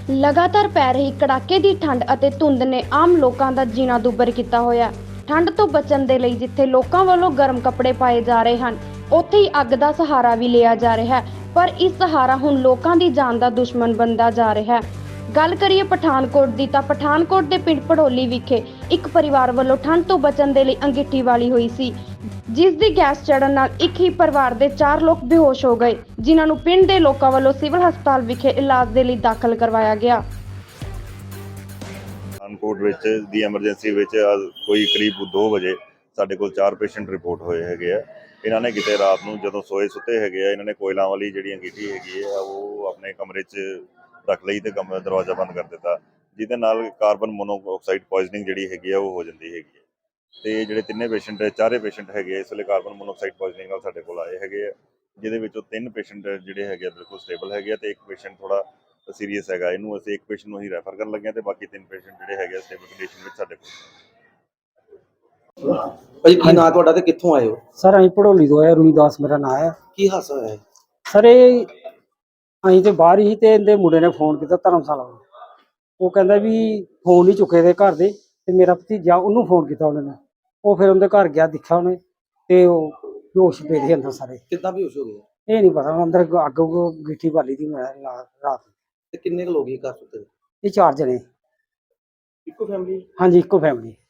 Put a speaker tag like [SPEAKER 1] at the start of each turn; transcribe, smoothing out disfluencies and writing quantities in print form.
[SPEAKER 1] ਲਗਾਤਾਰ ਪੈ ਰਹੀ ਕੜਾਕੇ ਦੀ ਠੰਡ ਅਤੇ ਧੁੰਦ ਨੇ ਆਮ ਲੋਕਾਂ ਦਾ ਜੀਣਾ ਦੁੱਭਰ ਕੀਤਾ ਹੋਇਆ। ਠੰਡ ਤੋਂ ਬਚਣ ਦੇ ਲਈ ਜਿੱਥੇ ਲੋਕਾਂ ਵੱਲੋਂ ਗਰਮ ਕੱਪੜੇ ਪਾਏ ਜਾ ਰਹੇ ਹਨ, ਉੱਥੇ ਹੀ ਅੱਗ ਦਾ ਸਹਾਰਾ ਵੀ ਲਿਆ ਜਾ ਰਿਹਾ ਹੈ। ਪਰ ਇਸ ਸਹਾਰਾ ਹੁਣ ਲੋਕਾਂ ਦੀ ਜਾਨ ਦਾ ਦੁਸ਼ਮਣ ਬਣਦਾ ਜਾ ਰਿਹਾ ਹੈ। ਗੱਲ ਕਰੀਏ ਪਠਾਨਕੋਟ ਦੀ ਤਾਂ ਪਠਾਨਕੋਟ ਦੇ ਪਿੰਡ ਭੜੋਲੀ ਵਿਖੇ ਇੱਕ ਪਰਿਵਾਰ ਵੱਲੋਂ ਠੰਡ ਤੋਂ ਬਚਣ ਦੇ ਲਈ ਅੰਗੀਠੀ ਵਾਲੀ ਹੋਈ ਸੀ, ਜਿਸ ਦੀ ਗੈਸ ਚੜਨ ਨਾਲ ਇੱਕ ਹੀ ਪਰਿਵਾਰ ਦੇ 4 ਲੋਕ ਬੇਹੋਸ਼ ਹੋ ਗਏ, ਜਿਨ੍ਹਾਂ ਨੂੰ ਪਿੰਡ ਦੇ ਲੋਕਾਂ ਵੱਲੋਂ ਸਿਵਲ ਹਸਪਤਾਲ ਵਿਖੇ ਇਲਾਜ ਦੇ ਲਈ ਦਾਖਲ ਕਰਵਾਇਆ ਗਿਆ।
[SPEAKER 2] ਪਠਾਨਕੋਟ ਵਿੱਚ ਦੀ ਐਮਰਜੈਂਸੀ ਵਿੱਚ ਕੋਈ ਕਰੀਬ 2 ਵਜੇ ਸਾਡੇ ਕੋਲ 4 ਪੇਸ਼ੈਂਟ ਰਿਪੋਰਟ ਹੋਏ ਹੈਗੇ ਆ। ਇਹਨਾਂ ਨੇ ਕਿਤੇ ਰਾਤ ਨੂੰ ਜਦੋਂ ਸੋਏ ਸੁੱਤੇ ਹੈਗੇ ਆ, ਇਹਨਾਂ ਨੇ ਕੋਇਲਾਂ ਵਾਲੀ ਜਿਹੜੀ ਅੰਗੀਠੀ ਹੈਗੀ ਆ ਉਹ ਆਪਣੇ ਕਮਰੇ 'ਚ ਰੱਖ ਲਈ ਤੇ ਕਮਰੇ ਦਾ ਦਰਵਾਜ਼ਾ ਬੰਦ ਕਰ ਦਿੱਤਾ, ਜਿਹਦੇ ਨਾਲ ਕਾਰਬਨ ਮੋਨੋਆਕਸਾਈਡ ਪੋਇਜ਼ਨਿੰਗ ਜਿਹੜੀ ਹੈਗੀ ਆ ਉਹ ਹੋ ਜਾਂਦੀ ਹੈਗੀ ਹੈ। ਤੇ ਜਿਹੜੇ ਤਿੰਨੇ ਪੇਸ਼ੈਂਟ 4 ਪੇਸ਼ੈਂਟ ਹੈਗੇ ਇਸ ਵੇਲੇ ਕਾਰਬਨ ਮੋਨੋਆਕਸਾਈਡ ਪੋਇਜ਼ਨਿੰਗ ਨਾਲ ਸਾਡੇ ਕੋਲ ਆਏ ਹੈਗੇ ਆ, ਜਿਹਦੇ ਵਿੱਚੋਂ 3 ਪੇਸ਼ੈਂਟ ਜਿਹੜੇ ਹੈਗੇ ਆ ਬਿਲਕੁਲ ਸਟੇਬਲ ਹੈਗੇ ਆ ਤੇ ਇੱਕ ਪੇਸ਼ੈਂਟ ਥੋੜਾ ਸੀਰੀਅਸ ਹੈਗਾ। ਇਹਨੂੰ ਅਸੀਂ ਇੱਕ ਪੇਸ਼ੈਂਟ ਨੂੰ ਹੀ ਰੈਫਰ ਕਰਨ ਲੱਗੇ ਆ ਤੇ ਬਾਕੀ 3 ਪੇਸ਼ੈਂਟ ਜਿਹੜੇ ਹੈਗੇ ਸਟੇਬਲ ਕੰਡੀਸ਼ਨ ਵਿੱਚ ਸਾਡੇ ਕੋਲ।
[SPEAKER 3] ਭਾਈ ਕੀ ਨਾਂ ਤੁਹਾਡਾ ਤੇ ਕਿੱਥੋਂ ਆਏ ਹੋ?
[SPEAKER 4] ਸਰ ਅਸੀਂ ਭੜੋਲੀ ਤੋਂ ਆਏ, ਰੂਈਦਾਸ ਮੇਰਾ ਨਾਂ ਹੈ।
[SPEAKER 3] ਕੀ ਹਾਦਸਾ ਹੋਇਆ ਹੈ?
[SPEAKER 4] ਸਰ ਇਹ ਅਸੀਂ ਤੇ ਬਾਹਰ ਹੀ ਤੇ ਇਹਦੇ ਮੁੰਡੇ ਨੇ ਫੋਨ ਕੀਤਾ ਧਰਮਸ਼ਾਲਾ ਨੂੰ। ਉਹ ਕਹਿੰਦਾ ਵੀ ਫੋਨ ਨਹੀਂ ਚੁੱਕੇ ਦੇ ਘਰ ਦੇ, ਤੇ ਮੇਰਾ ਭਤੀਜਾ ਉਹਨੂੰ ਫੋਨ ਕੀਤਾ ਉਹਨੇ। ਉਹ ਫਿਰ ਉਹਦੇ ਘਰ ਗਿਆ, ਦੇਖਿਆ ਉਹਨੇ ਤੇ ਉਹ ਬੇਹੋਸ਼ ਪਏ ਦੇ ਅੰਦਰ ਸਾਰੇ।
[SPEAKER 3] ਕਿੱਦਾਂ ਬੇਹੋਸ਼ ਹੋ ਗਏ?
[SPEAKER 4] ਇਹ ਨਹੀਂ ਪਤਾ, ਅੰਦਰ ਅੱਗ ਗਿੱਠੀ ਬਾਲੀ ਦੀ ਮੈਂ ਰਾਤ।
[SPEAKER 3] ਤੇ ਕਿੰਨੇ ਕੁ ਲੋਕ ਹੀ ਘਰ ਸੁੱਤੇ?
[SPEAKER 4] ਇਹ 4 ਜਣੇ।
[SPEAKER 3] ਇੱਕੋ ਫੈਮਿਲੀ?
[SPEAKER 4] ਹਾਂਜੀ, ਇੱਕੋ ਫੈਮਿਲੀ।